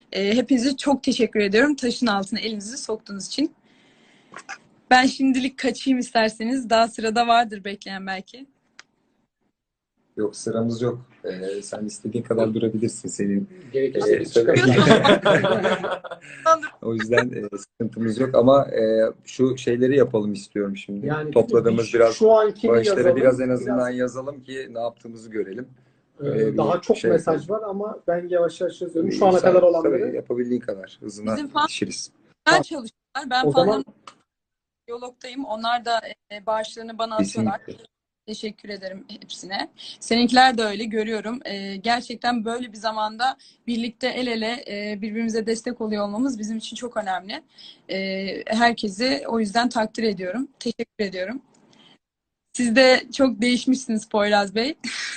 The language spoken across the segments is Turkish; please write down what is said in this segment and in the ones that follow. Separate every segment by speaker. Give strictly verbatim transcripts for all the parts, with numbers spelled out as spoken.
Speaker 1: E, hepinize çok teşekkür ediyorum. Taşın altına elinizi soktuğunuz için. Ben şimdilik kaçayım isterseniz. Daha sırada vardır bekleyen belki.
Speaker 2: Yok, sıramız yok. Ee, sen istediğin kadar durabilirsin senin.
Speaker 3: Gerekirse
Speaker 2: Ee,
Speaker 3: biz
Speaker 2: söyle-
Speaker 3: çıkarız.
Speaker 2: O yüzden e, sıkıntımız yok ama e, şu şeyleri yapalım istiyorum şimdi.
Speaker 3: Yani
Speaker 2: Topladığımız
Speaker 3: bir-
Speaker 2: biraz
Speaker 3: şu ankini
Speaker 2: bağışları
Speaker 3: yazalım.
Speaker 2: biraz en azından
Speaker 3: Biraz,
Speaker 2: yazalım ki ne yaptığımızı görelim.
Speaker 3: e,
Speaker 2: Öyle bir
Speaker 3: daha çok
Speaker 2: şey
Speaker 3: mesaj
Speaker 2: yapalım.
Speaker 3: var ama ben yavaş yavaş yazıyorum. Şu ana
Speaker 2: Sen-
Speaker 3: kadar
Speaker 2: tabii
Speaker 3: olanları.
Speaker 2: yapabildiğin kadar hızına
Speaker 1: Bizim fan
Speaker 2: yetişiriz.
Speaker 1: güzel çalışıyorlar. Ben
Speaker 3: O
Speaker 1: fanlarım
Speaker 3: zaman
Speaker 1: diyalogdayım. Onlar da e, bağışlarını bana atıyorlar.
Speaker 2: Kesinlikle.
Speaker 1: Teşekkür ederim hepsine. Seninkiler de öyle görüyorum. Ee, gerçekten böyle bir zamanda birlikte el ele e, birbirimize destek oluyor olmamız bizim için çok önemli. Ee, herkesi o yüzden takdir ediyorum. Teşekkür ediyorum. Siz de çok değişmişsiniz Poyraz Bey.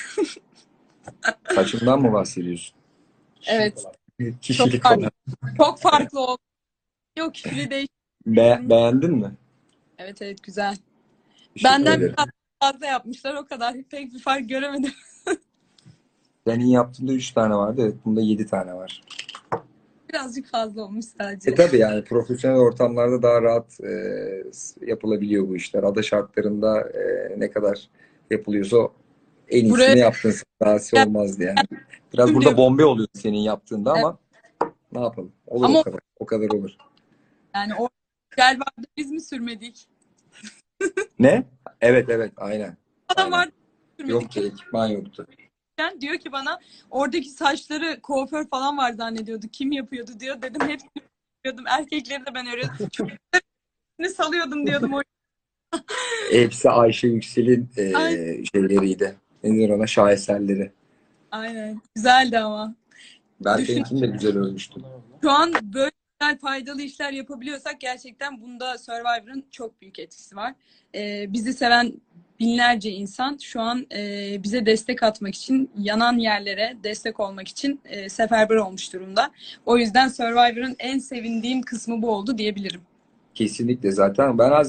Speaker 2: Saçımdan mı bahsediyorsun?
Speaker 1: Evet. Çok
Speaker 2: Kişilik
Speaker 1: farklı,
Speaker 2: olarak.
Speaker 1: çok farklı oldu. Yok kişiliği değiş.
Speaker 2: Be beğendin mi?
Speaker 1: Evet evet güzel.
Speaker 2: Teşekkür
Speaker 1: Benden
Speaker 2: ederim.
Speaker 1: biraz fazla yapmışlar o kadar. Pek bir fark göremedim.
Speaker 2: Senin yaptığında üç tane vardı. Evet, bunda yedi tane var.
Speaker 1: Birazcık fazla olmuş sadece.
Speaker 2: E tabii yani profesyonel ortamlarda daha rahat e, yapılabiliyor bu işler. Ada şartlarında e, ne kadar yapılıyorsa o en iyisini
Speaker 1: Buraya
Speaker 2: yaptın. Daha olmazdı yani. Biraz burada bombe oluyor senin yaptığında ama ne yapalım? Olur
Speaker 1: Ama
Speaker 2: o kadar. O kadar olur.
Speaker 1: yani o gel vardı biz mi sürmedik?
Speaker 2: Ne? Evet evet aynen.
Speaker 1: Adam
Speaker 2: Aynen.
Speaker 1: vardı sürmedik.
Speaker 2: Yoktu, ekipman yoktu.
Speaker 1: Diyor ki bana oradaki saçları kuaför falan var zannediyordu. Kim yapıyordu diyor. Dedim hepsini yapıyordum. Erkekleri de ben örüyordum. Çocuklarını salıyordum diyordum. O-
Speaker 2: Hepsi Ayşe Yüksel'in e,
Speaker 1: Aynen.
Speaker 2: şeyleriydi. Nedir ona? Şaheserleri.
Speaker 1: Aynen. Güzeldi ama. Düşün.
Speaker 2: Berkay'ınkini de güzel ölmüştü.
Speaker 1: Şu an böyle güzel, faydalı işler yapabiliyorsak gerçekten bunda Survivor'ın çok büyük etkisi var. Ee, bizi seven binlerce insan şu an e, bize destek atmak için, yanan yerlere destek olmak için e, seferber olmuş durumda. O yüzden Survivor'ın en sevindiğim kısmı bu oldu diyebilirim.
Speaker 2: Kesinlikle zaten. Ben